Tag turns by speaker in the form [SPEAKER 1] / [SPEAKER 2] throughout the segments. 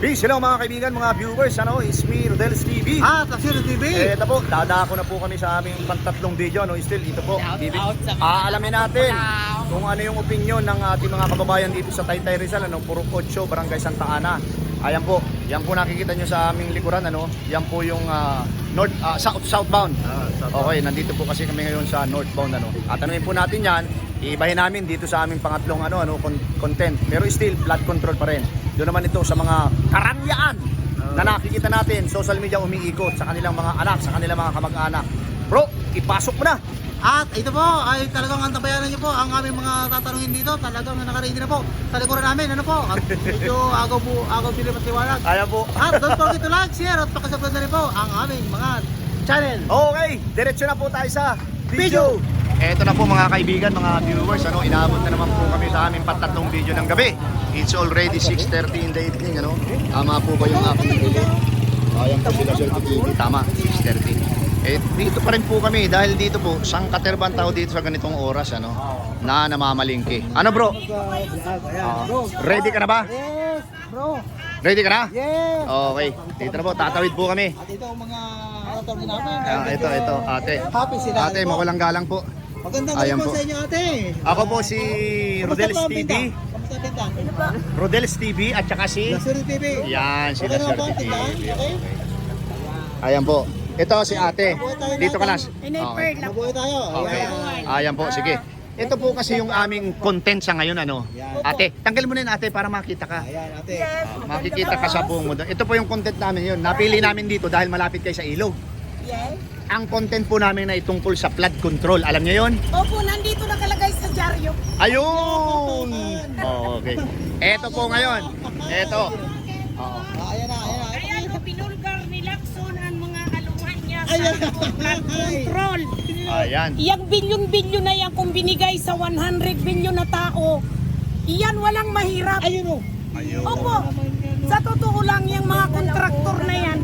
[SPEAKER 1] Peace, hello mga kaibigan, mga viewers, it's me, Rodel's TV.
[SPEAKER 2] Taxiro TV.
[SPEAKER 1] Ito po, dadako na po kami sa aming pantatlong video, Still, ito po, alamin natin kung ano yung opinion ng ating mga kababayan dito sa Taytay Rizal, Purok 8, Barangay Santa Ana. Ayan po, yan po nakikita nyo sa aming likuran, yan po yung southbound. Okay, nandito po kasi kami ngayon sa northbound, At tanungin po natin yan, iibahin namin dito sa aming pangatlong content. Pero still, flood control pa rin. Doon naman ito sa mga karangyaan na nakikita natin, social media umiikot sa kanilang mga anak, sa kanilang mga kamag-anak. Bro, ipasok mo na!
[SPEAKER 2] At ito po ay talagang antabayanan niyo po ang aming mga tatanungin dito. Talagang nakaready na po sa likuran namin. At medyo agaw pilim at liwanag.
[SPEAKER 1] Ayan po.
[SPEAKER 2] At don't forget to like, share at pakisubscribe na rin po ang aming mga channel.
[SPEAKER 1] Okay, diretso na po tayo sa video. Eto na po mga kaibigan, mga viewers, inaabot na naman po kami sa aming pantatlong video ng gabi. It's already 6:30 in the evening, Tama po ba yung aking video? Ayan po sila Sir TV, tama, 6:30. Dito pa rin po kami dahil dito po, sangkaterban tao dito sa ganitong oras, na namamalingki. Ano bro? Ready ka na ba?
[SPEAKER 2] Yes, bro.
[SPEAKER 1] Ready ka na?
[SPEAKER 2] Yes.
[SPEAKER 1] Okay, dito na po, tatawid po kami.
[SPEAKER 2] At ito ang mga tatanungin namin.
[SPEAKER 1] Ito, ate.
[SPEAKER 2] Happy sila.
[SPEAKER 1] Ate, mawalang galang po.
[SPEAKER 2] Magandang
[SPEAKER 1] Ayan
[SPEAKER 2] gabi po
[SPEAKER 1] po.
[SPEAKER 2] sa inyo, ate.
[SPEAKER 1] Ako po si Rodel's
[SPEAKER 2] Kamusta po ang
[SPEAKER 1] TV.
[SPEAKER 2] benta? Kamusta ang benta?
[SPEAKER 1] Rodel's TV at saka si...
[SPEAKER 2] Taxiro TV.
[SPEAKER 1] Yan, si
[SPEAKER 2] Okay naman
[SPEAKER 1] Sir
[SPEAKER 2] po ang
[SPEAKER 1] TV.
[SPEAKER 2] tindahan? Okay?
[SPEAKER 1] Ayan po. Ito si ate. Dito ka na. Okay.
[SPEAKER 2] Mabuhay tayo.
[SPEAKER 1] Okay.
[SPEAKER 2] Ayan.
[SPEAKER 1] Ayan po, sige. Ito po kasi yung aming content sa ngayon, Ate, tanggal mo na yun, ate, para makita ka.
[SPEAKER 2] Ayan, ate.
[SPEAKER 1] Makikita ka sa buong mundo. Ito po yung content namin yun. Napili namin dito dahil malapit kayo sa ilog.
[SPEAKER 3] Yes.
[SPEAKER 1] Ang content po namin na itungkol sa flood control. Alam niyo yun?
[SPEAKER 3] Opo, nandito nakalagay sa dyaryo.
[SPEAKER 1] Ayun! Oh, okay. Ito po ngayon. Ito.
[SPEAKER 2] Ayan na, ayan na.
[SPEAKER 3] Ayan, pinulgar ni Lacson ang mga aluman niya
[SPEAKER 2] Ayan.
[SPEAKER 3] sa flood control.
[SPEAKER 1] Ayan.
[SPEAKER 3] Iyang bilyon-bilyon na yan kung binigay sa 100 bilyon na tao, iyan walang mahirap.
[SPEAKER 2] Ayun o.
[SPEAKER 1] Ayun.
[SPEAKER 3] Opo, sa totoo lang yung mga kontraktor na yan,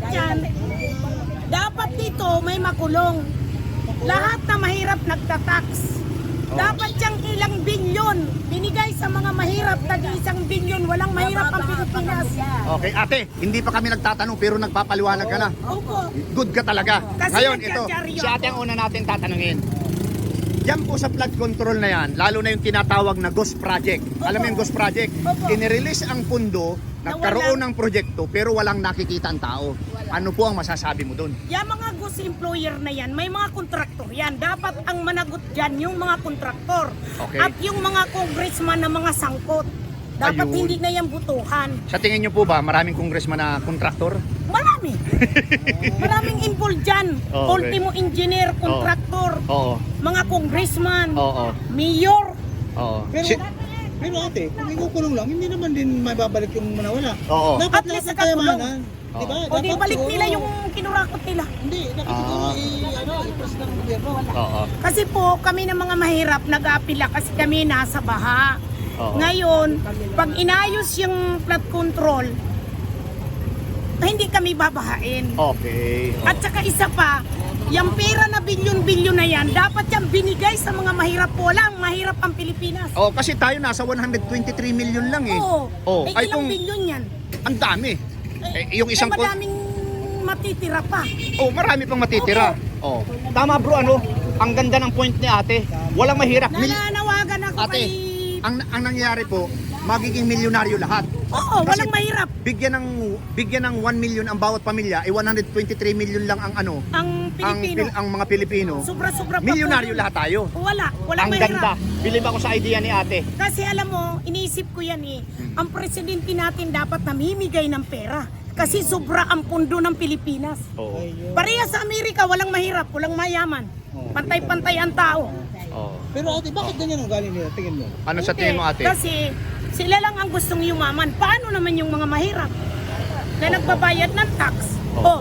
[SPEAKER 3] dapat dito may makulong. Lahat na mahirap nagtatax. Dapat siyang ilang bilyon binigay sa mga mahirap, tag-1 bilyon, walang mahirap ang Pilipinas.
[SPEAKER 1] Okay, ate, hindi pa kami nagtatanong pero nagpapaliwanag ka na.
[SPEAKER 3] Opo.
[SPEAKER 1] Good ka talaga.
[SPEAKER 3] Kasi
[SPEAKER 1] Ngayon, ito,
[SPEAKER 3] nagjajaryo
[SPEAKER 1] si ate ang una natin tatanungin. Yan po sa flood control na yan, lalo na yung tinatawag na Ghost Project. Alam mo yung Ghost Project?
[SPEAKER 3] Opo.
[SPEAKER 1] Inirelease ang pundo, nagkaroon ng proyekto, pero walang nakikita ang tao. Ano po ang masasabi mo doon?
[SPEAKER 3] Yung mga ghost employer na yan, may mga kontraktor yan. Dapat ang managot dyan yung mga kontraktor.
[SPEAKER 1] Okay.
[SPEAKER 3] At yung mga congressman na mga sangkot. Dapat
[SPEAKER 1] Ayun.
[SPEAKER 3] hindi na yan butuhan.
[SPEAKER 1] Sa tingin nyo po ba, maraming congressman na kontraktor?
[SPEAKER 3] Marami. Maraming involved dyan.
[SPEAKER 1] Okay.
[SPEAKER 3] Ultimo engineer, kontraktor,
[SPEAKER 1] Oo.
[SPEAKER 3] mga congressman,
[SPEAKER 1] Oo.
[SPEAKER 3] mayor.
[SPEAKER 1] Oo.
[SPEAKER 2] Pero ate, kung ikukulong lang, hindi naman din may babalik yung manawala.
[SPEAKER 1] Oo.
[SPEAKER 2] Dapat
[SPEAKER 3] At least
[SPEAKER 2] lahat ng
[SPEAKER 3] nakakulong.
[SPEAKER 2] kayamanan. Di ba?
[SPEAKER 3] O di
[SPEAKER 2] Dapat
[SPEAKER 3] balik
[SPEAKER 2] siguro-
[SPEAKER 3] nila yung kinurakot nila.
[SPEAKER 2] Hindi, dapat siguro i-press ng gobyerno.
[SPEAKER 1] Oo.
[SPEAKER 3] Kasi po kami ng mga mahirap nag-aapila kasi kami nasa baha.
[SPEAKER 1] Oo.
[SPEAKER 3] Ngayon, pag inayos yung flood control, hindi kami babahain.
[SPEAKER 1] Okay. Oo.
[SPEAKER 3] At saka isa pa, yung pera na bilyon-bilyon na yan, dapat yan binigay sa mga mahirap po lang. Mahirap ang Pilipinas.
[SPEAKER 1] Oh, kasi tayo nasa 123 million lang eh.
[SPEAKER 3] Oo.
[SPEAKER 1] Oh,
[SPEAKER 3] Eh,
[SPEAKER 1] ay
[SPEAKER 3] ilang
[SPEAKER 1] kung
[SPEAKER 3] bilyon yan?
[SPEAKER 1] ang dami. Yung isang
[SPEAKER 3] madaming matitira pa.
[SPEAKER 1] Oh, marami pang matitira. Oh. Tama bro, Ang ganda ng point ni ate. Walang mahirap.
[SPEAKER 3] Nananawagan ako
[SPEAKER 1] Ate,
[SPEAKER 3] kay...
[SPEAKER 1] ang nangyayari po, magiging milyonaryo lahat.
[SPEAKER 3] Oo,
[SPEAKER 1] Kasi
[SPEAKER 3] walang mahirap.
[SPEAKER 1] Bigyan ng 1 million ang bawat pamilya, 123 million lang ang
[SPEAKER 3] Ang Pilipino.
[SPEAKER 1] ang mga Pilipino.
[SPEAKER 3] Sobra-sobra pa po
[SPEAKER 1] Milyonaryo
[SPEAKER 3] yun.
[SPEAKER 1] lahat tayo.
[SPEAKER 3] Walang
[SPEAKER 1] Ang
[SPEAKER 3] mahirap.
[SPEAKER 1] ganda. Bilib ako sa idea ni ate.
[SPEAKER 3] Kasi alam mo, iniisip ko yan ang presidente natin dapat namimigay ng pera. Kasi sobra ang pundo ng Pilipinas.
[SPEAKER 1] Oo.
[SPEAKER 3] Pareha sa Amerika, walang mahirap, walang mayaman. Pantay-pantay ang tao.
[SPEAKER 1] Oo.
[SPEAKER 2] Pero ate, bakit ganyan ang galing nila? Tingin mo.
[SPEAKER 1] Ano sa tingin mo ate?
[SPEAKER 3] Kasi sila lang ang gustong yumaman. Paano naman yung mga mahirap na nagbabayad ng tax? Oh.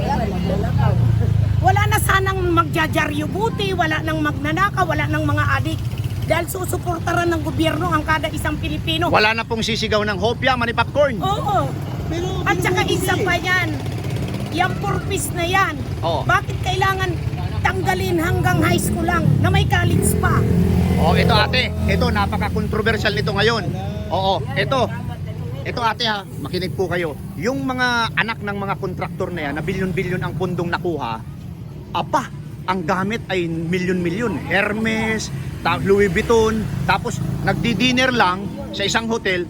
[SPEAKER 3] Wala na sanang magjajaryo buti, wala nang magnanaka, wala nang mga adik. Dahil susuportaran ng gobyerno ang kada isang Pilipino.
[SPEAKER 1] Wala na pong sisigaw ng hopya, mani popcorn.
[SPEAKER 3] Oo.
[SPEAKER 2] Pero,
[SPEAKER 3] At saka isa pa yan, yung purpose na yan,
[SPEAKER 1] Oo.
[SPEAKER 3] bakit kailangan tanggalin hanggang high school lang na may college pa?
[SPEAKER 1] Oh, ito ate, ito napaka-controversial nito ngayon. Oo, ito. Ito ate ha, makinig po kayo. Yung mga anak ng mga kontraktor na yan, na bilyon-bilyon ang pundong nakuha, apa, ang gamit ay milyon-milyon. Hermes, Louis Vuitton, tapos nagdi-dinner lang sa isang hotel,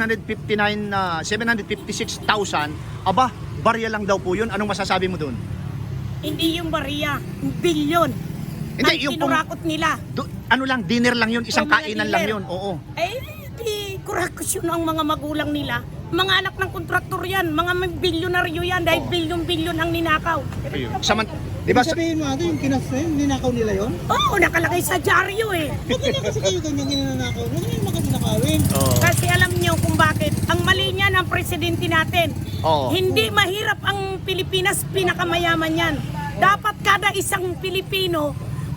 [SPEAKER 1] 756,000. Aba, barya lang daw po yun. Anong masasabi mo doon?
[SPEAKER 3] Hindi yung bariya, bilyon.
[SPEAKER 1] Hindi,
[SPEAKER 3] Ang
[SPEAKER 1] yung pong-
[SPEAKER 3] kinurakot nila.
[SPEAKER 1] Ano lang, dinner lang yun, isang
[SPEAKER 3] O, mga
[SPEAKER 1] kainan lang
[SPEAKER 3] dinner.
[SPEAKER 1] yun. Oo.
[SPEAKER 3] Eh, di kurakot ang mga magulang nila. Mga anak ng kontraktor yan, mga bilyonaryo yan dahil
[SPEAKER 1] Oo.
[SPEAKER 3] bilyon-bilyon ang ninakaw.
[SPEAKER 1] Ayun. Di ba?
[SPEAKER 2] Ibig sabihin mo ate, yung kinas na yun, ninakaw nila yun?
[SPEAKER 3] Oo, nakalagay sa dyaryo eh.
[SPEAKER 2] Ba't na kasi kayo ganyang ginanakaw? Huwag na yung makatinakawin.
[SPEAKER 1] Oo.
[SPEAKER 3] Kasi alam niyo kung bakit. Ang mali niya ng presidente natin.
[SPEAKER 1] Oo.
[SPEAKER 3] Hindi mahirap ang Pilipinas, pinakamayaman yan. Dapat kada isang Pilipino,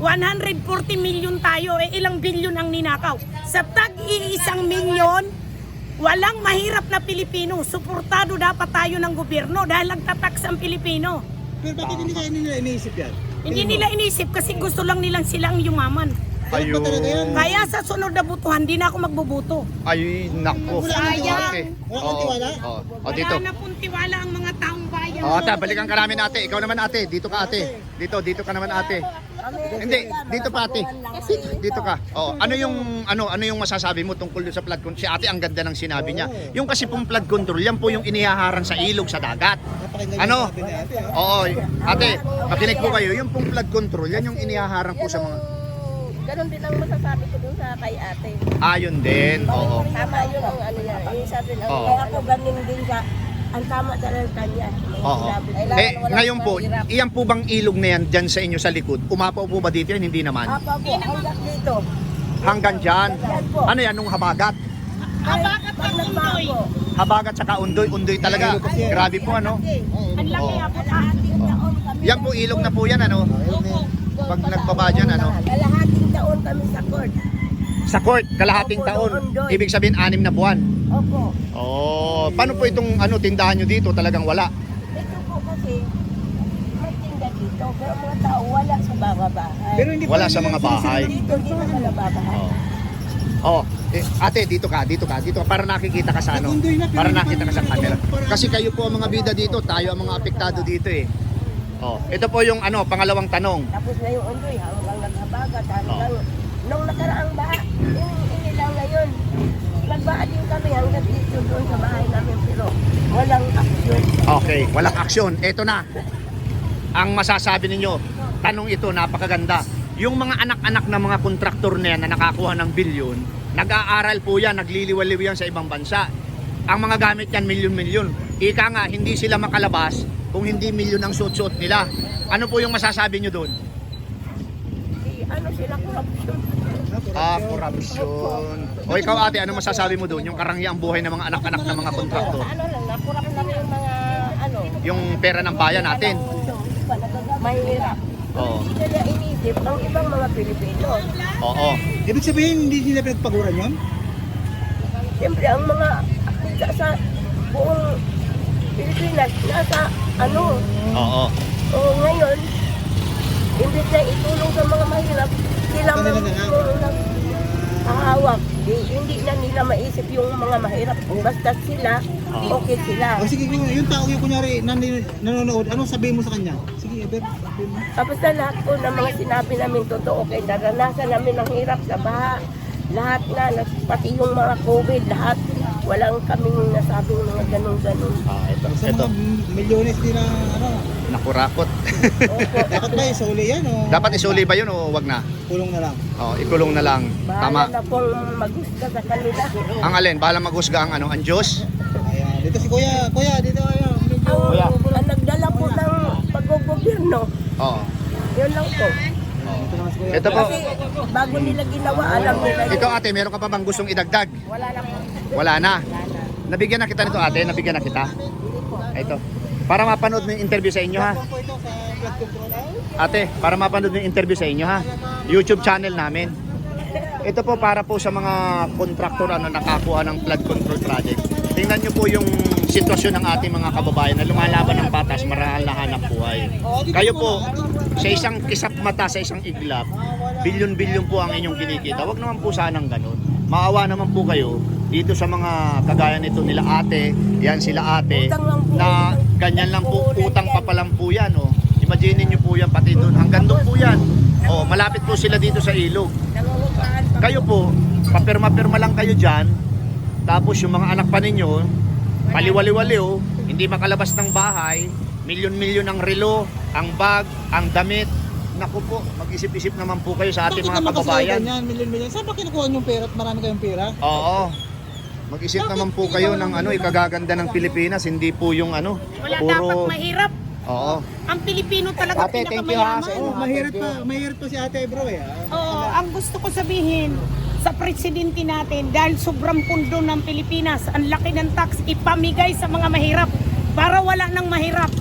[SPEAKER 3] 140 milyon tayo, eh ilang bilyon ang ninakaw. Sa tag-iisang milyon, walang mahirap na Pilipino. Suportado dapat tayo ng gobyerno dahil nagtataks ang Pilipino.
[SPEAKER 2] Pero bakit hindi kaya nila iniisip yan?
[SPEAKER 3] Hindi nila inisip kasi gusto lang nilang silang yumaman.
[SPEAKER 2] Ayun. Ba talaga yan?
[SPEAKER 3] Kaya sa sunod na butuhan, di na ako magbubuto.
[SPEAKER 1] Ay, nako.
[SPEAKER 3] Sayang.
[SPEAKER 1] Ate.
[SPEAKER 2] Wala kang tiwala?
[SPEAKER 1] Oo. O,
[SPEAKER 3] Wala
[SPEAKER 1] dito.
[SPEAKER 3] na pong tiwala ang mga taong bayan.
[SPEAKER 1] O, ate, balikan ka namin ate. Ikaw naman ate. Dito ka ate. Dito ka naman ate. Hindi, dito pa ate. Dito ka. Oh, ano yung masasabi mo tungkol sa flood control? Si ate ang ganda ng sinabi niya. Yung kasi pong flood control, yan po yung inihaharang sa ilog sa dagat.
[SPEAKER 2] Napakinggan
[SPEAKER 1] Ano?
[SPEAKER 2] yung sabi ni ate, ah.
[SPEAKER 1] Oo, ate, makinig po kayo. Yung pong flood control, yan yung inihaharang po sa mga...
[SPEAKER 4] Ganon din ang masasabi ko dun sa kay ate.
[SPEAKER 1] Ayun din. Oo.
[SPEAKER 4] Tama yun ang ano niya. Yung sabi ng
[SPEAKER 1] Oo.
[SPEAKER 4] kaya ako ganin din siya. Ang tama talaga kanya.
[SPEAKER 1] Oo. Ngayon po, iyan po bang ilog na yan dyan sa inyo sa likod? Umapaw po ba dito yan? Hindi naman.
[SPEAKER 4] Apa po, hanggang dito.
[SPEAKER 1] Hanggang dyan. Ano yan, nung habagat?
[SPEAKER 3] Habagat
[SPEAKER 4] Pag
[SPEAKER 3] ang
[SPEAKER 4] nagbago,
[SPEAKER 3] undoy.
[SPEAKER 1] Habagat saka undoy. Undoy talaga. Grabe po ano.
[SPEAKER 3] Ang laki
[SPEAKER 1] Oo.
[SPEAKER 3] abot
[SPEAKER 4] kalahating taon kami.
[SPEAKER 1] Yan po ilog na po yan ano. Pag nagbaba dyan ano.
[SPEAKER 4] Kalahating taon kami sa court.
[SPEAKER 1] Sa court, kalahating
[SPEAKER 4] Opo,
[SPEAKER 1] taon.
[SPEAKER 4] Undoy.
[SPEAKER 1] Ibig sabihin 6 na buwan.
[SPEAKER 4] Opo.
[SPEAKER 1] Oh, paano po itong tindahan nyo dito? Talagang wala.
[SPEAKER 4] Ito po kasi, may tinda dito. Pero mga tao wala sa mga bahay.
[SPEAKER 2] Pero hindi pa
[SPEAKER 1] Wala
[SPEAKER 2] rin
[SPEAKER 1] sa
[SPEAKER 2] nila
[SPEAKER 1] mga bahay.
[SPEAKER 4] Dito, hindi na sa bahay.
[SPEAKER 1] Oh. Ate, dito ka para nakikita ka sa ano.
[SPEAKER 2] Undoy na, pero
[SPEAKER 1] Para
[SPEAKER 2] hindi pa
[SPEAKER 1] nakita ka sa
[SPEAKER 2] rin
[SPEAKER 1] camera.
[SPEAKER 2] parang-
[SPEAKER 1] Kasi kayo po ang mga bida dito, tayo ang mga apektado dito eh. Oh, ito po yung pangalawang tanong.
[SPEAKER 4] Tapos na yung undoy, hanggang naghabagat, hanggang nung nakaraang baha, hindi lang ngayon. Nagbaha din kami hanggang dito doon sa bahay namin, pero walang aksyon.
[SPEAKER 1] Okay, walang aksyon. Ito na. Ang masasabi ninyo, tanong ito, napakaganda. Yung mga anak-anak ng mga kontraktor na yan na nakakuha ng bilyon, nag-aaral po yan, nagliliwaliw yan sa ibang bansa. Ang mga gamit yan, milyon-milyon. Ika nga, hindi sila makalabas kung hindi milyon ang suot-suot nila. Ano po yung masasabi nyo doon?
[SPEAKER 4] Ano sila korupsyon?
[SPEAKER 1] Corruption. O ikaw ate, ano masasabi mo doon? Yung karangyang buhay ng mga anak-anak ng mga kontraktor.
[SPEAKER 4] Ano lang, nakurap lang yung mga ano.
[SPEAKER 1] Yung pera ng bayan natin.
[SPEAKER 4] Mahirap.
[SPEAKER 1] Oo.
[SPEAKER 4] Hindi nila inisip ang ibang mga Pilipino.
[SPEAKER 1] Oo.
[SPEAKER 2] Ibig sabihin, hindi nila pinagpaguran yun?
[SPEAKER 4] Siyempre, ang mga akita sa buong Pilipinas, nasa ano.
[SPEAKER 1] Oo.
[SPEAKER 4] O ngayon, imbis na itulong sa mga mahirap, sila
[SPEAKER 2] Kanila na lang.
[SPEAKER 4] hahawak. Hindi na nila maisip yung mga mahirap. Basta sila, okay sila.
[SPEAKER 2] O sige, yung tao yung kunyari nanonood, ano sabihin mo sa kanya? Sige, Eber, sabihin mo.
[SPEAKER 4] Tapos sa lahat po ng mga sinabi namin totoo, kay naranasan namin ang hirap sa baha. Lahat na, pati yung mga COVID, lahat. Walang kaming nasabing mga ganun-ganun.
[SPEAKER 2] Sa
[SPEAKER 1] Ito,
[SPEAKER 2] mga milyones din na, ano,
[SPEAKER 1] nakurakot.
[SPEAKER 4] Opo.
[SPEAKER 2] dapat ba isuli yan o
[SPEAKER 1] Dapat isuli ba yun o wag na?
[SPEAKER 2] kulong na lang?
[SPEAKER 1] Oh, ikulong na lang.
[SPEAKER 4] Bahala
[SPEAKER 1] Tama.
[SPEAKER 4] na pong magusta sa kanila.
[SPEAKER 1] Ang alin, bahala maghusga ang Diyos.
[SPEAKER 2] Ayan, dito si Kuya, dito ayan, medyo...
[SPEAKER 1] Kuya.
[SPEAKER 4] Ang nagdala po ng pag-gobyerno,
[SPEAKER 1] Oo.
[SPEAKER 4] yun lang po.
[SPEAKER 2] Dito naman si Kuya.
[SPEAKER 1] Ito po.
[SPEAKER 4] Kasi bago nila ginawa, alam nila yun.
[SPEAKER 1] Ikaw ate, meron ka pa bang gustong idagdag?
[SPEAKER 4] Wala lang po.
[SPEAKER 1] Wala na. Nabigyan na kita nito ate, nabigyan na kita. Ito. Para mapanood mo yung interview sa inyo ha.
[SPEAKER 2] Po ito sa blood control.
[SPEAKER 1] Ate, para mapanood mo yung interview sa inyo ha. YouTube channel namin. Ito po para po sa mga kontraktor na nakakuha ng flood control project. Tingnan nyo po yung sitwasyon ng ating mga kababayan na lumalaban ng patas, marahal na hanap buhay. Kayo po, sa isang kisap mata, sa isang iglap, bilyon-bilyon po ang inyong kinikita. Huwag naman po sanang ganun. Maawa naman po kayo dito sa mga kagaya nito nila ate, yan sila ate,
[SPEAKER 4] Utang lang po.
[SPEAKER 1] na ganyan lang po, utang pa pa lang po yan. Oh. Imagine niyo po yan, pati doon, hanggang doon po yan. Oh, malapit po sila dito sa ilog.
[SPEAKER 4] Nangungupahan pa.
[SPEAKER 1] Kayo po, papirma-pirma lang kayo dyan, tapos yung mga anak pa ninyo, paliwali-waliw, hindi makalabas ng bahay, milyon-milyon ang relo, ang bag, ang damit. Naku po, mag-isip-isip naman po kayo sa ating mga kababayan.
[SPEAKER 2] Yan, milyon-milyon. Saan ba kinukuha yung pera at marami kayong pera?
[SPEAKER 1] Oo. Mag-isip naman po kayo ng ikagaganda ng Pilipinas, hindi po yung
[SPEAKER 3] Wala dapat mahirap.
[SPEAKER 1] Oo.
[SPEAKER 3] Ang Pilipino talaga
[SPEAKER 1] Ate, thank you, ha, sa
[SPEAKER 3] pinakamayaman.
[SPEAKER 1] inyo.
[SPEAKER 2] Mahirap pa si ate bro eh.
[SPEAKER 3] Oo, ang gusto ko sabihin sa presidente natin, dahil sobrang pundo ng Pilipinas, ang laki ng tax, ipamigay sa mga mahirap para wala nang mahirap.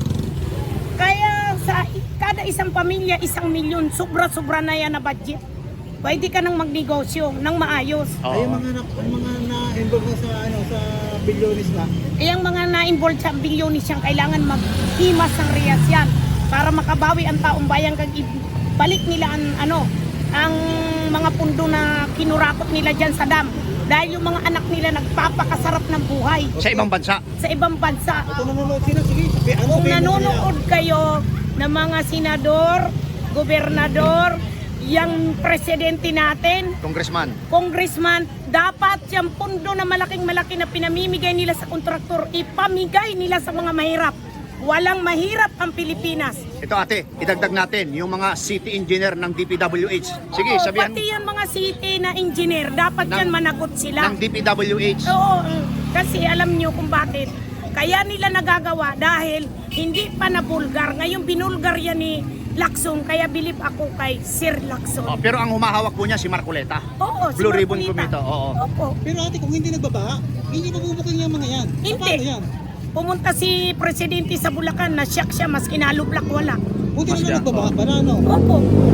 [SPEAKER 3] Kaya sa kada isang pamilya, 1 milyon, sobra-sobra na yan na budget. Pwede ka nang magnegosyo ng maayos.
[SPEAKER 2] Ay,
[SPEAKER 1] Oo.
[SPEAKER 2] mga na-involve sa sa bilyonis ba?
[SPEAKER 3] Yung mga na-involved sa bilyonis yan, kailangan maghimas ng riyas yan para makabawi ang taong bayan kag balik nila ang mga pundo na kinurakot nila dyan sa dam. Dahil yung mga anak nila nagpapakasarap ng buhay
[SPEAKER 1] Sa ibang bansa.
[SPEAKER 3] sa ibang bansa.
[SPEAKER 2] Ito nanonood sila, sige.
[SPEAKER 3] Kung nanonood kayo ng mga senador, gobernador, yung presidente natin,
[SPEAKER 1] Congressman.
[SPEAKER 3] congressman, dapat yung pundo na malaki na pinamimigay nila sa kontraktor, ipamigay nila sa mga mahirap. Walang mahirap ang Pilipinas.
[SPEAKER 1] Ito ate, idagdag natin yung mga city engineer ng DPWH. Sige,
[SPEAKER 3] Oo,
[SPEAKER 1] sabihan
[SPEAKER 3] pati yung mga city na engineer, dapat
[SPEAKER 1] Ng-
[SPEAKER 3] yan managot sila.
[SPEAKER 1] ng DPWH.
[SPEAKER 3] Oo, kasi alam nyo kung bakit. Kaya nila nagagawa dahil hindi pa nabulgar. Ngayon binulgar yan ni Lacson, kaya believe ako kay Sir Lacson.
[SPEAKER 1] Oh, pero ang humahawak po niya si Marcoleta.
[SPEAKER 3] Oo, si
[SPEAKER 1] Blue Ribbon
[SPEAKER 3] Marcolita.
[SPEAKER 1] Committee, oo.
[SPEAKER 3] Opo.
[SPEAKER 2] Pero ate, kung hindi nagbabaha, hindi mabubuking yung mga yan.
[SPEAKER 3] Hindi.
[SPEAKER 2] Paano yan?
[SPEAKER 3] Pumunta si Presidente sa Bulacan, na-shock siya, mas kinalublak wala.
[SPEAKER 2] Buti
[SPEAKER 1] Mas
[SPEAKER 2] na
[SPEAKER 1] yan.
[SPEAKER 2] nagbabaha para ano?
[SPEAKER 3] Opo.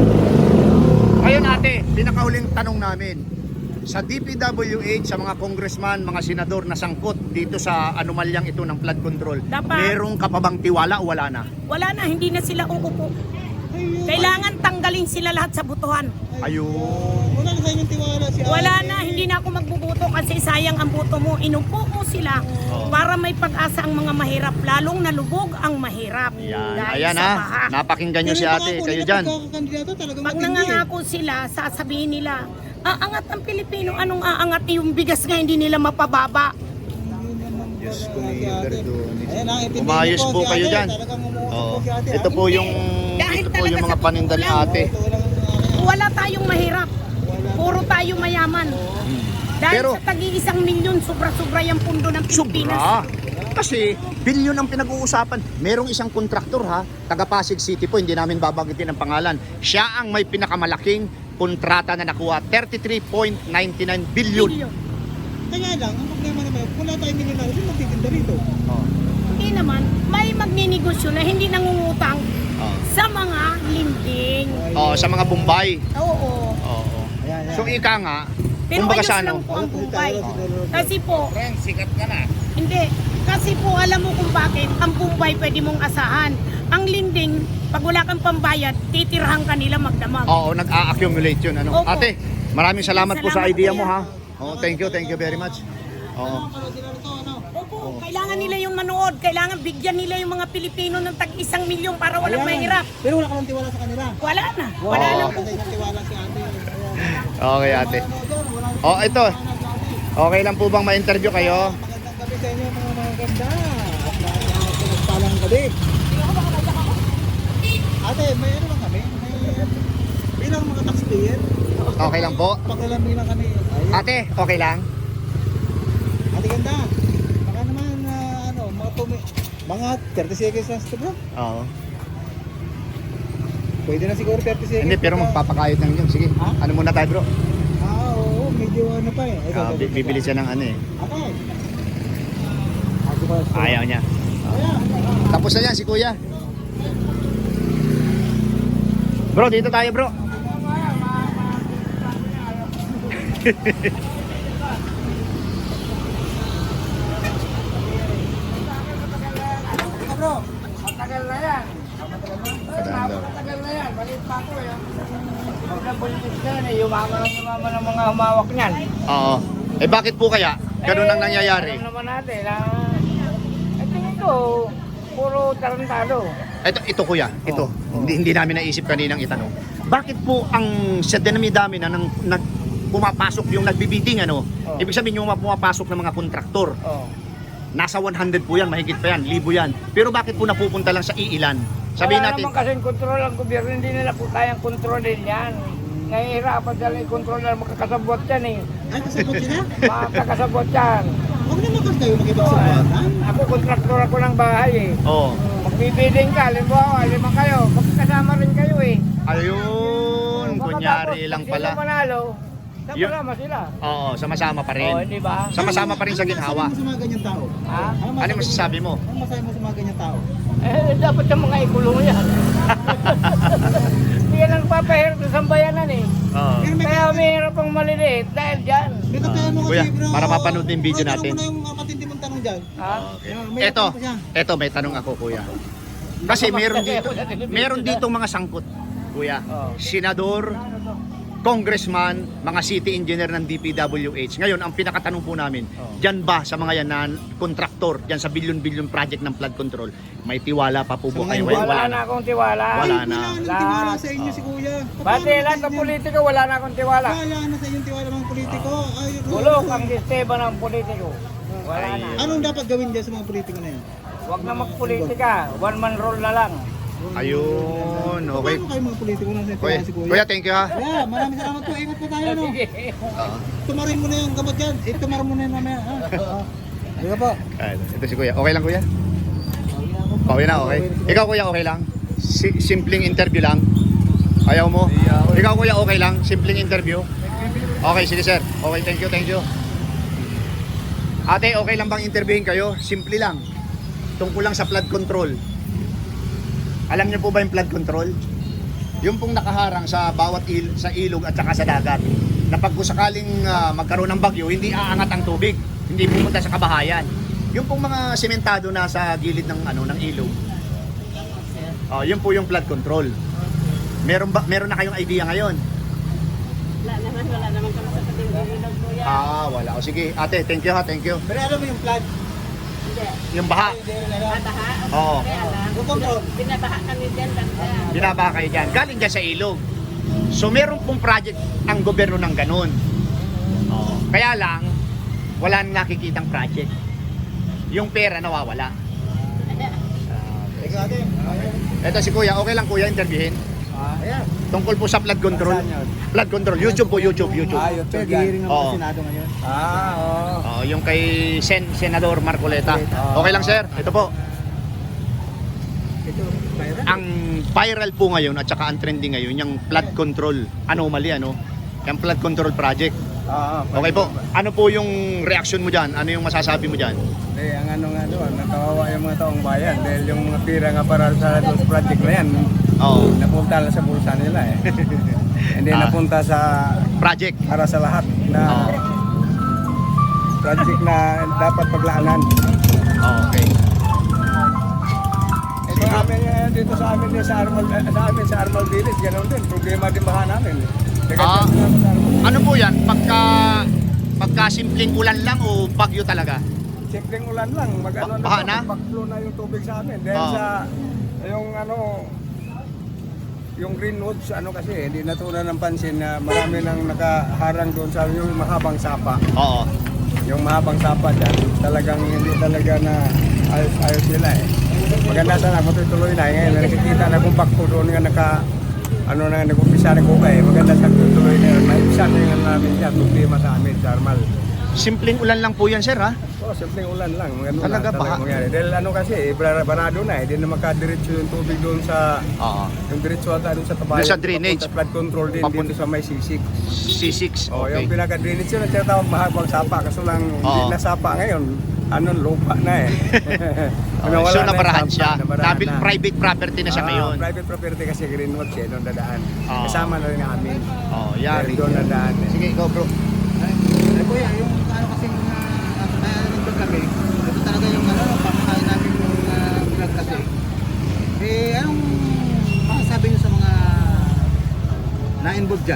[SPEAKER 1] Ngayon ate, pinakahuling tanong namin. Sa DPWH, sa mga congressman, mga senador na sangkot dito sa anomalyang ito ng flood control,
[SPEAKER 3] Dapat.
[SPEAKER 1] merong ka pa bang tiwala o wala na?
[SPEAKER 3] Wala na, hindi na sila uupo.
[SPEAKER 2] Ayun.
[SPEAKER 3] Kailangan tanggalin sila lahat sa butuhan.
[SPEAKER 1] Ayun.
[SPEAKER 2] Wala na sa inyong tiwala si ate.
[SPEAKER 3] Wala na, hindi na ako magbubuto kasi sayang ang buto mo. Inupo mo sila para may pag-asa ang mga mahirap, lalong nalubog ang mahirap.
[SPEAKER 1] Yan.
[SPEAKER 3] Dahil
[SPEAKER 1] Ayan
[SPEAKER 3] sa
[SPEAKER 1] ha,
[SPEAKER 3] baha.
[SPEAKER 1] napakinggan nyo si ate, kayo dyan.
[SPEAKER 2] Pagkakandidato talagang
[SPEAKER 3] Pag
[SPEAKER 2] matindi eh.
[SPEAKER 3] nangangako sila, sasabihin nila, aangat ang Pilipino, anong aangat yung bigas nga hindi nila mapababa.
[SPEAKER 1] Diyos ko ni Verdun.
[SPEAKER 2] Ayan ha, ipinili
[SPEAKER 1] Umayos po
[SPEAKER 2] si
[SPEAKER 1] kayo
[SPEAKER 2] ate.
[SPEAKER 1] dyan.
[SPEAKER 2] Talagang umuusap
[SPEAKER 1] Oo.
[SPEAKER 2] po si ate.
[SPEAKER 1] Ito po yung
[SPEAKER 3] Dahil
[SPEAKER 1] ito po
[SPEAKER 3] talaga
[SPEAKER 1] yung mga
[SPEAKER 3] sa
[SPEAKER 1] paninda ni
[SPEAKER 3] totoo lang.
[SPEAKER 1] ate.
[SPEAKER 2] Ito lang ang
[SPEAKER 3] Wala tayong mahirap. Puro tayo mayaman. Dahil
[SPEAKER 1] Pero-
[SPEAKER 3] sa tagi-1 milyon, sobra-sobra yung pundo ng Pilipinas.
[SPEAKER 1] Sobra. Kasi bilyon ang pinag-uusapan. Merong isang kontraktor ha, taga Pasig City po, hindi namin babagitin ang pangalan. Siya ang may pinakamalaking kontrata na nakuha, 33.99 billion.
[SPEAKER 3] Bilyon.
[SPEAKER 2] Kaya lang, ang problema naman, kung wala tayong milyonaryo, sino magtitinda rito?
[SPEAKER 3] Hindi naman, may magninegosyo na hindi nangungutang sa mga linding.
[SPEAKER 1] Oh, sa mga Bombay.
[SPEAKER 3] Oo.
[SPEAKER 1] Oo.
[SPEAKER 2] Ayan,
[SPEAKER 1] So ika nga,
[SPEAKER 3] Pero
[SPEAKER 1] kumbaga
[SPEAKER 3] ayos
[SPEAKER 1] sa
[SPEAKER 3] lang
[SPEAKER 1] ano,
[SPEAKER 3] po ang Bombay.
[SPEAKER 2] Oo.
[SPEAKER 3] Kasi po,
[SPEAKER 1] sikat ka na.
[SPEAKER 3] hindi. Kasi po alam mo kung bakit ang Bombay pwede mong asahan. Ang linding, pag wala kang pambayad, titirhan ka nila magdamag.
[SPEAKER 1] Oo, nag-a-accumulate yun. Ano?
[SPEAKER 3] Opo.
[SPEAKER 1] Ate, maraming salamat po sa
[SPEAKER 3] Salamat,
[SPEAKER 1] idea
[SPEAKER 3] kuya.
[SPEAKER 1] mo ha. Oh, thank you very much. Oo.
[SPEAKER 3] Opo, kailangan nila yung manood. Kailangan bigyan nila yung mga Pilipino ng tag 1 milyon para walang mahirap.
[SPEAKER 2] Pero wala ka ng tiwala sa kanila.
[SPEAKER 3] Wala na. Wala
[SPEAKER 1] Oo.
[SPEAKER 3] nang
[SPEAKER 2] Kasi yung tiwala si ate. Ayan.
[SPEAKER 1] Okay ate. Oh, ito. Okay lang po bang ma-interview kayo?
[SPEAKER 2] Magandang gabi sa inyo mga maganda. At pinagpalang gabi. Ate, may ano lang kami? Bilang mga taxpayer,
[SPEAKER 1] Okay lang po.
[SPEAKER 2] paglalami lang kami. Ayun.
[SPEAKER 1] Ate, okay lang?
[SPEAKER 2] Ate ganda. Baka naman mga 30 seconds lang ito bro.
[SPEAKER 1] Oo.
[SPEAKER 2] Pwede na siguro 30 seconds.
[SPEAKER 1] Hindi, pero magpapakayot ng yun. Sige,
[SPEAKER 2] Ha?
[SPEAKER 1] ano muna tayo bro?
[SPEAKER 2] Oo, medyo ano pa eh.
[SPEAKER 1] Bibili siya ng ano eh.
[SPEAKER 2] Ate. Ako ba?
[SPEAKER 1] Ayaw niya.
[SPEAKER 2] Ayan.
[SPEAKER 1] Tapos na yan si kuya. Bro, dito tayo bro.
[SPEAKER 2] Bro.
[SPEAKER 4] Matagal na yan.
[SPEAKER 1] Kadaan daw.
[SPEAKER 4] Matagal na yan. Balik pa ako eh. Pag nabuntis na yan eh, yumama ng mga humawak niyan.
[SPEAKER 1] Oo. Eh bakit po kaya? Ganun ang nangyayari.
[SPEAKER 5] Alam naman natin na tingin ko, puro tarantado.
[SPEAKER 1] Ito kuya, ito. Hindi namin naisip kaninang itanong. Bakit po ang sa dami-dami na pumapasok yung nagbibidding ano?
[SPEAKER 5] Oh.
[SPEAKER 1] Ibig sabihin yung pumapasok ng mga kontraktor.
[SPEAKER 5] Oh.
[SPEAKER 1] Nasa 100 po yan, mahigit pa yan, 1,000 yan. Pero bakit po napupunta lang sa iilan? Sabihin
[SPEAKER 5] Wala
[SPEAKER 1] natin,
[SPEAKER 5] naman kasing kontrol ang gobyerno, hindi nila po kayang kontrolin yan. Nahihirapan sila i-control na makakasabot yan eh.
[SPEAKER 2] Ay, kasabot sila?
[SPEAKER 5] Makakasabot yan.
[SPEAKER 2] Huwag naman kasi kayo makipagsabuatan.
[SPEAKER 5] Ako, kontraktor ako ng bahay eh.
[SPEAKER 1] oh,
[SPEAKER 5] Magbibidding ka, halimbawa, 5 kayo, magkasama rin kayo eh.
[SPEAKER 1] ayun, kunyari lang
[SPEAKER 5] Sino
[SPEAKER 1] pala.
[SPEAKER 5] manalo,
[SPEAKER 1] Yun.
[SPEAKER 5] sama sila.
[SPEAKER 1] Oo, sama-sama pa
[SPEAKER 5] O,
[SPEAKER 1] rin.
[SPEAKER 5] di ba?
[SPEAKER 1] Sama-sama pa rin sa ginhawa.
[SPEAKER 2] Ano masasabi mo sa mga ganyang tao?
[SPEAKER 5] Ha?
[SPEAKER 1] Ano yung masasabi mo?
[SPEAKER 2] Ano masasabi mo sa mga ganyang tao?
[SPEAKER 5] Eh, dapat yung mga ikulong yan. Hindi yan ang papahirap sa sambayanan eh.
[SPEAKER 1] Oo.
[SPEAKER 5] Kaya mahirap ang maliliit dahil dyan.
[SPEAKER 2] May katayan mo
[SPEAKER 1] Kuya,
[SPEAKER 2] kasi, bro.
[SPEAKER 1] para mapanood din video
[SPEAKER 2] Bro,
[SPEAKER 1] natin.
[SPEAKER 2] tanong mo na yung matindi mong tanong dyan.
[SPEAKER 5] Ha?
[SPEAKER 2] May
[SPEAKER 1] Eto,
[SPEAKER 2] tanong pa siya.
[SPEAKER 1] eto may tanong ako kuya. Kasi meron dito mga sangkot, kuya.
[SPEAKER 5] Oo.
[SPEAKER 1] Senador, congressman, mga city engineer ng DPWH. Ngayon, ang pinakatanong po namin, dyan ba sa mga yan na kontraktor, dyan sa billion-billion project ng flood control, may tiwala pa po
[SPEAKER 2] Sa
[SPEAKER 1] po
[SPEAKER 2] mga
[SPEAKER 1] kayo?
[SPEAKER 2] hindi,
[SPEAKER 1] Ngayon,
[SPEAKER 5] Wala na akong tiwala.
[SPEAKER 1] Wala
[SPEAKER 2] Ay,
[SPEAKER 1] na.
[SPEAKER 2] wala nang tiwala sa inyo si kuya.
[SPEAKER 5] Pati lahat ng politiko, wala na akong tiwala.
[SPEAKER 2] Wala na sa inyong tiwala mga politiko. Ay,
[SPEAKER 5] Bulok ang sistema ng politiko. Wala na.
[SPEAKER 2] Anong dapat gawin dyan sa mga politiko na yan?
[SPEAKER 5] Huwag na magpolitika. One man rule na lang.
[SPEAKER 1] Ayun, okay.
[SPEAKER 2] Paano kayo mga politiko na sa
[SPEAKER 1] Kuya,
[SPEAKER 2] tiwala si kuya?
[SPEAKER 1] kuya, thank you ha.
[SPEAKER 2] Kuya, maraming salamat po. Ingat po tayo, no?
[SPEAKER 5] Sige.
[SPEAKER 2] Tumarin mo na yung gamot dyan. Tumarin mo na yung mamaya, ha? Sige po.
[SPEAKER 1] Ito si kuya. Okay lang kuya? Okay na, okay. Ikaw kuya, okay lang? Simpleng interview lang? Ayaw mo? Ikaw kuya, okay lang? Simpleng interview? Okay, sige sir. Okay, thank you, thank you. Ate, okay lang bang interviewin kayo? Simple lang. Tungkol lang sa flood control. Alam niyo po ba yung flood control? Yung pong nakaharang sa bawat sa ilog at saka sa dagat. Na pag sakaling magkaroon ng bagyo, hindi aangat ang tubig. Hindi pupunta sa kabahayan. Yung pong mga sementado na sa gilid ng ng ilog. Oh, yun po yung flood control. Meron na kayong idea ngayon?
[SPEAKER 3] Wala naman kami sa ilog, kuya.
[SPEAKER 1] Wala. O sige, ate, thank you ha, thank you.
[SPEAKER 2] Pero alam mo yung flood?
[SPEAKER 1] Yung baha.
[SPEAKER 3] Baha?
[SPEAKER 1] Oo.
[SPEAKER 3] Kaya lang. Binabaha kami dyan banda.
[SPEAKER 1] Binabaha kayo dyan. Galing dyan sa ilog. So meron pong project ang gobyerno ng ganun. Oh. Kaya lang, wala nang nakikitang project. Yung pera nawawala.
[SPEAKER 2] Ikaw ate.
[SPEAKER 1] Ito si kuya, okay lang kuya interviewin?
[SPEAKER 2] Ayan.
[SPEAKER 1] Tungkol po sa flood control. Flood control, YouTube po, YouTube.
[SPEAKER 2] Pero gihiring naman
[SPEAKER 1] Oo.
[SPEAKER 2] sa Senado ngayon.
[SPEAKER 1] Oh, yung kay Senador Marcoleta. Okay lang sir, ito po.
[SPEAKER 2] Ito, viral.
[SPEAKER 1] Ang viral po ngayon at saka ang trending ngayon yung flood control anomaly yung flood control project. Okay po. Ano po yung reaction mo diyan? Ano yung masasabi mo diyan?
[SPEAKER 6] Ang ano nga doon, nakawawa yung mga taong bayan dahil yung mga pira nga para sa doon sa project na yan,
[SPEAKER 1] Oo.
[SPEAKER 6] napunta lang sa bulsa nila eh. Hindi napunta sa
[SPEAKER 1] Project.
[SPEAKER 6] para sa lahat na
[SPEAKER 1] Oo.
[SPEAKER 6] project na dapat paglaanan.
[SPEAKER 1] Okay.
[SPEAKER 6] Ito amin dito sa amin din sa Armal Village, ganoon din. Problema din baha namin.
[SPEAKER 1] Ah.
[SPEAKER 6] Sa Armal.
[SPEAKER 1] Ano po yan? Pagka simpleng ulan lang o bagyo talaga?
[SPEAKER 6] Simpleng ulan lang, mag-ano
[SPEAKER 1] Baha na?
[SPEAKER 6] mag-flow na yung tubig sa amin. Dahil
[SPEAKER 1] Oo.
[SPEAKER 6] sa yung greenwoods kasi hindi natunan ng pansin na marami nang nakaharang doon sa yung mahabang sapa.
[SPEAKER 1] Oo.
[SPEAKER 6] Yung mahabang sapa dyan, talagang hindi talaga na ayos sila eh. Maganda sana matutuloy na ngayon nakikita na kung bakto doon nga nag-umpisa na kuka eh. Maganda sana tutuloy na yun. Maibsan na yung namin dyan, problema sa amin sa Armal.
[SPEAKER 1] Simpleng ulan lang po yan sir ha?
[SPEAKER 6] Simpleng ulan lang.
[SPEAKER 1] Talaga baha?
[SPEAKER 6] Mangyari. Dahil barado na eh. Hindi na makadiretso yung tubig doon sa
[SPEAKER 1] Oo.
[SPEAKER 6] yung diretso ata doon sa tabayan.
[SPEAKER 1] Doon sa drainage.
[SPEAKER 6] Papunta flood control din
[SPEAKER 1] Papunta-
[SPEAKER 6] dito sa may sisig.
[SPEAKER 1] C6.
[SPEAKER 6] Yung
[SPEAKER 1] Okay.
[SPEAKER 6] pinaka-drainage yun, ang tinatawag mahabang sapa. Kaso lang, hindi
[SPEAKER 1] Oo.
[SPEAKER 6] na sapa ngayon. Lupa na eh.
[SPEAKER 1] Okay. So nabarahan
[SPEAKER 6] yung
[SPEAKER 1] siya.
[SPEAKER 6] sapa, nabarahan na.
[SPEAKER 1] Private property na siya ngayon.
[SPEAKER 6] Private property kasi greenwood siya, doon dadaan.
[SPEAKER 1] Oo.
[SPEAKER 6] Kasama na rin namin.
[SPEAKER 1] Oh, yari.
[SPEAKER 6] Doon dadaan eh.
[SPEAKER 1] Sige, go bro.
[SPEAKER 2] Ay, kuya, yung ano kasing bayaran nito kami, ito talaga yung pamakain namin yung vlog kasi. Anong masasabi nyo sa mga na-involve dyan?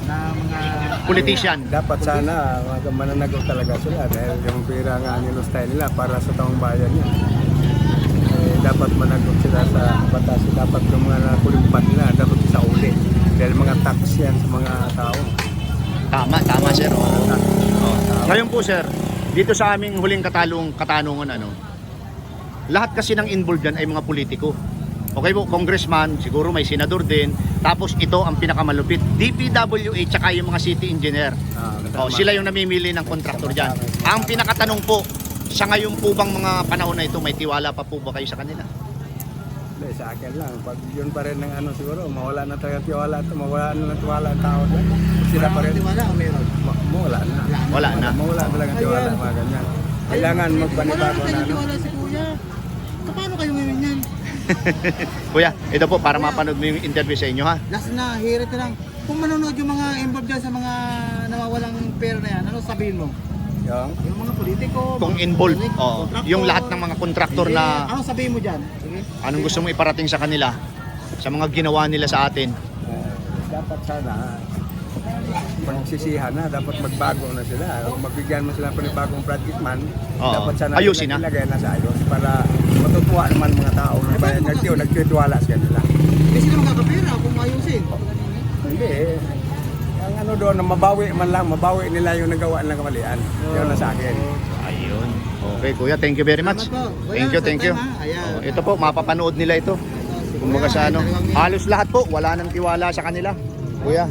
[SPEAKER 2] na mga
[SPEAKER 1] Politician.
[SPEAKER 6] Dapat sana mananagot talaga sila dahil yung pera nga nilustay nila para sa taong bayan yan. Dapat managot sila sa batas. Dapat yung mga nakulimpat nila dapat sa uli. Dahil mga tax yan sa mga tao.
[SPEAKER 1] Tama sir. Ngayon po sir, dito sa aming huling katanungan lahat kasi ng involved dyan ay mga politiko. Okay po, congressman, siguro may senador din. Tapos ito ang pinakamalupit, DPWH tsaka yung mga city engineer. Sila yung namimili ng kontraktor dyan. Ang pinakatanong po, sa ngayon po bang mga panahon na ito, may tiwala pa po ba kayo sa kanila?
[SPEAKER 6] Hindi, sa akin lang. Pag yun pa rin ng siguro, mawala na talaga tiwala. Mawala na ng tiwala ang tao doon. Sila pa rin.
[SPEAKER 2] tiwala o meron?
[SPEAKER 6] Mawala na.
[SPEAKER 1] Wala na.
[SPEAKER 6] Mawala talaga tiwala, mga ganyan. Kailangan
[SPEAKER 2] Wala
[SPEAKER 6] magpanibago
[SPEAKER 2] na
[SPEAKER 6] na.
[SPEAKER 2] kayo tiwala si Kuya. Paano kayo ngayon yan?
[SPEAKER 1] Kuya, ito po para mapanood mo yung interview sa inyo ha.
[SPEAKER 2] Last na, hirit na lang. Kung manonood yung mga involved dyan sa mga nawawalang pera na yan, ano sabihin mo? Yung mga politiko,
[SPEAKER 1] Kung
[SPEAKER 2] mga
[SPEAKER 1] involved,
[SPEAKER 2] kontraktor.
[SPEAKER 1] yung lahat ng mga kontraktor
[SPEAKER 2] Sige,
[SPEAKER 1] na
[SPEAKER 2] ano sabihin mo dyan? Sige.
[SPEAKER 1] anong gusto mong iparating sa kanila, sa mga ginawa nila sa atin.
[SPEAKER 6] Dapat sana pagsisihan na, dapat magbago na sila. Kung magbigyan mo sila panibagong project man,
[SPEAKER 1] Oo.
[SPEAKER 6] dapat sana
[SPEAKER 1] Ayusin na.
[SPEAKER 6] ilagay na sa ayos para matutuwa naman mga tao na bayan nagtiwala sa kanila.
[SPEAKER 2] Hindi sila magkakapera kung ayusin.
[SPEAKER 6] Hindi. Ang doon na mabawi nila yung nagawa ng kamalian. Yun na sa akin.
[SPEAKER 1] Ayun. Okay kuya, thank you very much.
[SPEAKER 2] Salamat po.
[SPEAKER 1] Thank you,
[SPEAKER 2] Kuya,
[SPEAKER 1] thank you.
[SPEAKER 2] sa time, ha? Ayan.
[SPEAKER 1] Ito po, mapapanood nila ito. Kumbaga sa halos lahat po, wala nang tiwala sa kanila. Kuya.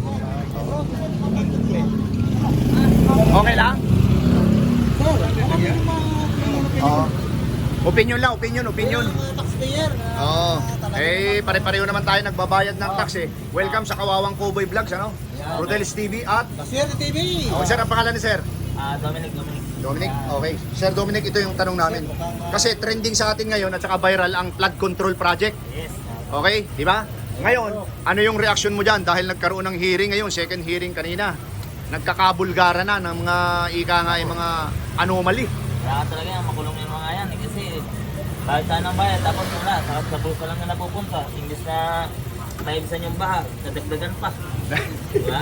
[SPEAKER 1] Okay lang? Oo. Opinion lang, opinion.
[SPEAKER 2] Taxpayer.
[SPEAKER 1] Oo. Pare-pareho naman tayo nagbabayad ng tax eh. Welcome sa Kawawang Cowboy Vlogs, Rodel's TV at...
[SPEAKER 2] Taxpayer TV.
[SPEAKER 1] Sir, ang pangalan ni Sir?
[SPEAKER 5] Dominic.
[SPEAKER 1] Dominic, okay. Sir Dominic, ito yung tanong namin. Kasi trending sa atin ngayon at saka viral ang flood control project.
[SPEAKER 5] Yes.
[SPEAKER 1] Okay, di ba? Ngayon, ano yung reaction mo dyan? Dahil nagkaroon ng hearing ngayon, second hearing kanina. Nagkakabulgara na ng mga mga anomaly.
[SPEAKER 7] Kaya talaga yan, makulong yung mga yan kasi bayad tayo ng bayad tapos wala, sa bulsa lang na napupunta. Imbis na maibisan yung baha, nadagdagan pa. Diba?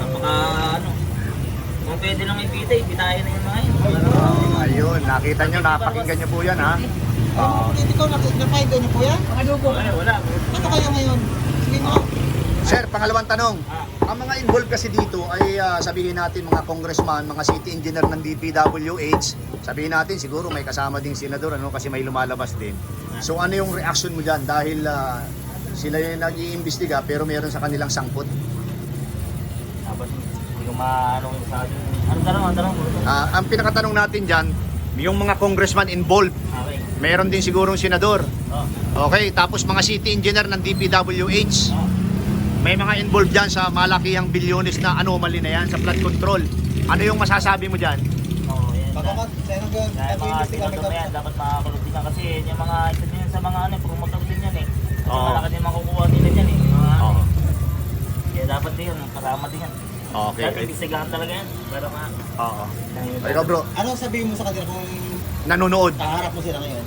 [SPEAKER 7] Kung pwede lang ipita, ipitayan na yung mga yan.
[SPEAKER 1] Ayun, nakita nyo, napakinggan nyo po yan ha.
[SPEAKER 2] Politiko, na-find niyo po yan?
[SPEAKER 7] Ay, wala.
[SPEAKER 2] Ano kayo ngayon? Sige mo.
[SPEAKER 1] Sir, pangalawang tanong. Ang mga involved kasi dito ay sabihin natin mga congressman, mga city engineer ng DPWH. Sabihin natin siguro may kasama ding senador kasi may lumalabas din. So ano yung reaction mo dyan dahil sila yung nag-iimbestiga pero meron sa kanilang sangkot?
[SPEAKER 7] Tapos hindi ko maanong sa atin. Ang tanong?
[SPEAKER 1] Ang pinakatanong natin dyan, yung mga congressman involved,
[SPEAKER 7] Okay.
[SPEAKER 1] meron din sigurong senador.
[SPEAKER 7] Oh.
[SPEAKER 1] Okay, tapos mga city engineer ng DPWH. May mga involved dyan sa malakihang bilyones na anomaly na yan sa flood control. Ano yung masasabi mo dyan?
[SPEAKER 7] Oo, yan.
[SPEAKER 2] Pagkakat, sa'yo
[SPEAKER 7] Kaya mga senador na yan, dapat makakulong din yan. Kasi yung mga isa din yan sa mga promotor din yan eh. Kasi
[SPEAKER 1] Oo.
[SPEAKER 7] malaki din makukuha nila dyan eh. Mga,
[SPEAKER 1] Oo.
[SPEAKER 7] Kaya dapat din yun, kasama din yan.
[SPEAKER 1] Okay.
[SPEAKER 7] Dahil ibisigahan talaga yan. Pero
[SPEAKER 1] Oo. Ikaw bro,
[SPEAKER 2] Ano sabihin mo sa kanila kung
[SPEAKER 1] nanonood.
[SPEAKER 2] kaharap mo sila ngayon?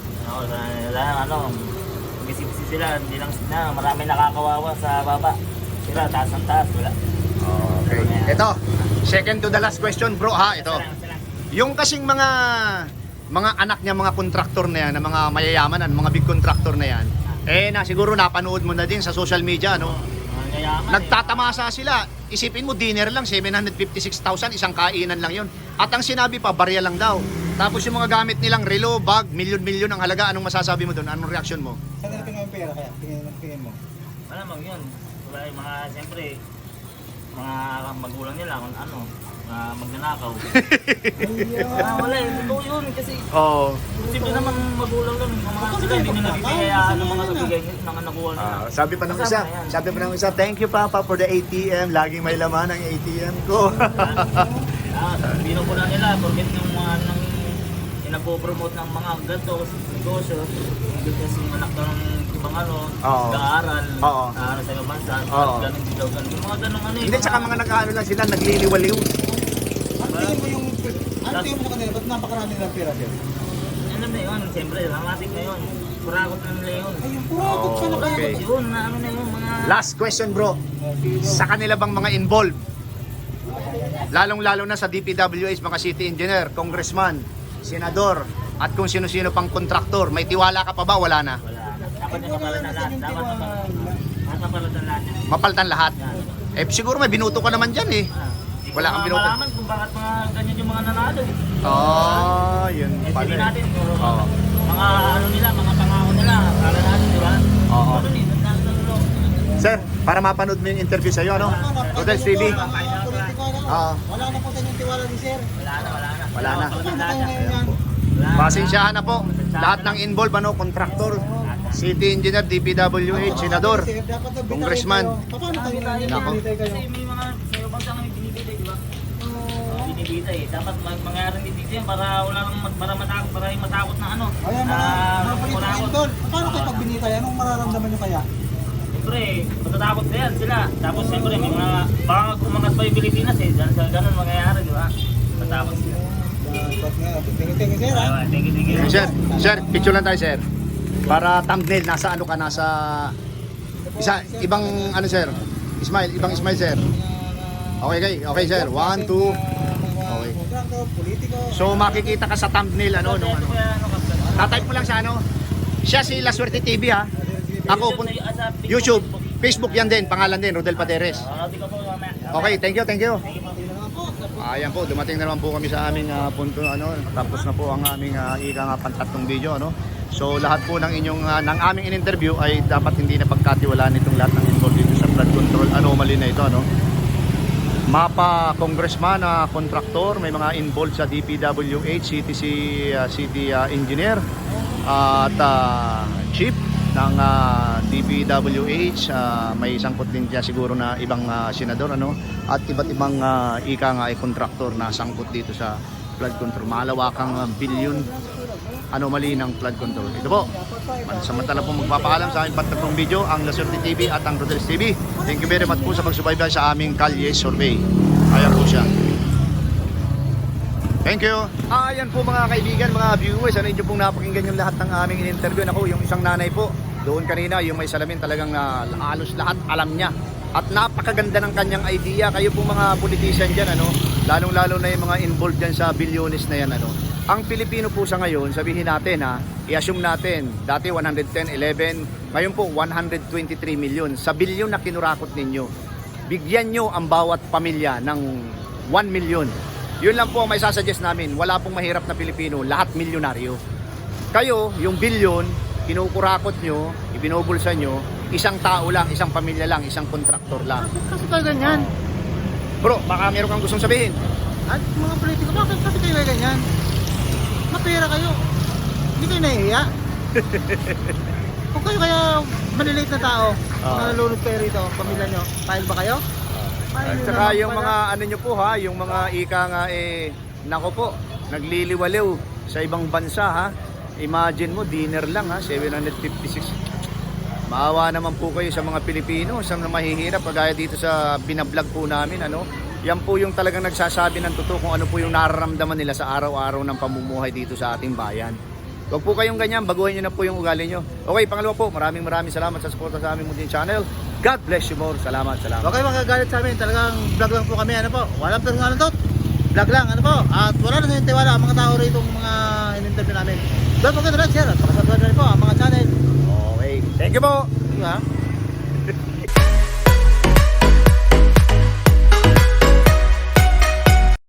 [SPEAKER 7] Bisi-bisi sila, hindi lang na, marami nakakawawa sa baba. Sila, taas ang taas, wala.
[SPEAKER 1] Okay. Ito, second to the last question bro ha, ito. Yung kasing mga anak niya, mga kontraktor na yan, na mga mayayaman, mga big contractor na yan, na siguro napanood mo na din sa social media, no? Nagtatamasa sila. Isipin mo, dinner lang, 756,000, isang kainan lang yon. At ang sinabi pa, barya lang daw. Tapos yung mga gamit nilang relo, bag, milyon-milyon ang halaga. Anong masasabi mo doon? Anong reaction mo?
[SPEAKER 2] Saan nila pinang pera kaya? Tingin mo.
[SPEAKER 7] Wala mang yun. Wala yung mga, siyempre, mga magulang nila kung ano, magnanakaw. Wala eh, totoo yun kasi
[SPEAKER 1] Oo.
[SPEAKER 7] simple naman magulang lang. Mga sila hindi na nabibigay, kaya ano mga nabigay ng nakuha nila.
[SPEAKER 1] Sabi pa ng isa, thank you Papa for the ATM. Laging may laman ang ATM ko.
[SPEAKER 7] Bino ko na nila, porket yung mga nang inapopromote ng mga ganito, negosyo, hindi kasi yung anak ng ibang
[SPEAKER 1] Oo.
[SPEAKER 7] nag-aaral,
[SPEAKER 1] Oo.
[SPEAKER 7] sa ibang bansa,
[SPEAKER 1] Oo.
[SPEAKER 7] ganun din daw ganun. Yung mga ganun ano
[SPEAKER 1] Hindi, tsaka mga nag-ano lang sila, nagliliwaliw.
[SPEAKER 2] Ano tingin mo yung... Ano tingin mo sa kanila? Ba't napakarami nilang pera sir?
[SPEAKER 7] Ano na yun, siyempre, dramatic na yun. Kurakot na nila yun.
[SPEAKER 2] Ay, yung puragot ka na kaya.
[SPEAKER 1] Okay.
[SPEAKER 7] Yun, na ano na yun, mga...
[SPEAKER 1] Last question bro. Sa kanila bang mga involved, lalong-lalo na sa DPWH, mga city engineer, congressman, senador, at kung sino-sino pang kontraktor. May tiwala ka pa ba? Wala na.
[SPEAKER 7] Wala na. Dapat yung kapalitan lahat. Dapat kapalitan lahat.
[SPEAKER 1] Mapalitan lahat. Eh siguro may binuto ka naman dyan eh. Wala kang binuto.
[SPEAKER 7] Malaman kung bakit mga ganyan yung mga nanalo eh.
[SPEAKER 1] Yun
[SPEAKER 7] Eh,
[SPEAKER 1] pala.
[SPEAKER 7] hindi
[SPEAKER 1] eh.
[SPEAKER 7] natin, puro
[SPEAKER 1] Oo.
[SPEAKER 7] mga ano nila, mga pangako nila. Kala natin, di ba?
[SPEAKER 1] Oo.
[SPEAKER 7] Pero hindi, nanalo.
[SPEAKER 1] Sir, para mapanood mo yung interview sa'yo, ano? Rodel TV. Oo.
[SPEAKER 2] Wala na po sa inyong tiwala ni sir.
[SPEAKER 1] Wala na.
[SPEAKER 2] Paano kayo ngayon yan?
[SPEAKER 1] Pasensyahan na po. Lahat ng involved, ano, kontraktor, city engineer, DPWH, senador,
[SPEAKER 2] Sir, dapat nagbitay
[SPEAKER 1] congressman.
[SPEAKER 2] kayo. Paano kayo ngayon?
[SPEAKER 1] Nako.
[SPEAKER 2] Nagbitay kayo.
[SPEAKER 7] Kasi may mga sayo bang saan binibigay, di ba? Binibigay. Dapat mangyari din dito yan para wala nang para yung matakot na ano.
[SPEAKER 2] Ayan, mga political doon. Paano kayo pag binitay? Anong mararamdaman nyo kaya?
[SPEAKER 7] Siyempre, matatakot na yan sila. Tapos siyempre, may mga baka umangat pa yung Pilipinas eh. Ganun mangyayari, di ba? Matakot sila.
[SPEAKER 2] Thank you, sir. ha?
[SPEAKER 7] Thank you.
[SPEAKER 1] Sir, picture lang tayo, sir. Para thumbnail, nasa ano ka, nasa... ibang ano, sir? Ibang smile, sir. Okay, sir. 1, 2. Okay.
[SPEAKER 2] Kontraktor, politiko.
[SPEAKER 1] So, makikita ka sa thumbnail, ano, nung ano. Tatype mo lang sa ano. Siya si La Suerte TV, ha? Ako, YouTube, Facebook yan din, pangalan din, Rodel Paderes. Okay, thank you. Ayan po, dumating na naman po kami sa aming punto, ano, tapos na po ang aming ika nga pantatlong video, ano. So lahat po ng inyong ng aming in-interview ay dapat hindi na pagkatiwalaan itong lahat ng involved dito sa flood control anomaly na ito, ano. Mapa congressman, kontraktor, may mga involved sa DPWH, city engineer, at chief ng DPWH, may sangkot din siya siguro na ibang senador, ano, at iba't ibang ika nga ay kontraktor na sangkot dito sa flood control. Malawakang billion anomaly ng flood control. Ito po, samantala po magpapaalam sa aming pantatlong video, ang La Suerte TV at ang Rodel TV. Thank you very much po sa pagsubaybay sa aming Kalye Survey. Ayan po siya. Thank you. Ayan po mga kaibigan, mga viewers, ano inyo pong napakinggan yung lahat ng aming in-interview. Ako, yung isang nanay po, doon kanina, yung may salamin talagang halos lahat alam niya. At napakaganda ng kanyang idea. Kayo po mga politician dyan, ano, lalong-lalo na yung mga involved dyan sa bilyones na yan, ano. Ang Pilipino po sa ngayon, sabihin natin i-assume natin, dati 110, 11, ngayon po 123 million. Sa bilyon na kinurakot ninyo, bigyan nyo ang bawat pamilya ng 1 million. Yun lang po ang may sasuggest namin. Wala pong mahirap na Pilipino, lahat milyonaryo. Kayo, yung bilyon, kinukurakot nyo, ibinubulsa nyo, isang tao lang, isang pamilya lang, isang kontraktor lang.
[SPEAKER 2] Kasi kayo ganyan.
[SPEAKER 1] Bro, baka meron kang gustong sabihin.
[SPEAKER 2] At mga politiko, bakit kasi kayo ganyan? Mapira kayo. Hindi kayo nahihiya. Kung kayo kaya maliliit na tao, nalulunod kayo rito, pamilya nyo, file ba kayo?
[SPEAKER 1] At saka yung mga ano nyo po ha, yung mga ika nga nako po, nagliliwaliw sa ibang bansa ha. Imagine mo, dinner lang ha, 756. Maawa naman po kayo sa mga Pilipino, sa mga mahihirap, kagaya dito sa binablog po namin, ano. Yan po yung talagang nagsasabi ng totoo kung ano po yung nararamdaman nila sa araw-araw ng pamumuhay dito sa ating bayan. Huwag po kayong ganyan, baguhin nyo na po yung ugali nyo. Okay, pangalawa po, maraming salamat sa suporta sa aming munting channel. God bless you more. Salamat.
[SPEAKER 2] Huwag kayo magagalit sa amin, talagang vlog lang po kami, ano po. Walang personalan to. Vlog lang, ano po. At wala na yung tiwala ang mga tao rito, mga in-interview namin. Don't forget to like, share, at pakasubscribe na rin po ang mga channel.
[SPEAKER 1] Okay, thank you po.
[SPEAKER 2] Diba?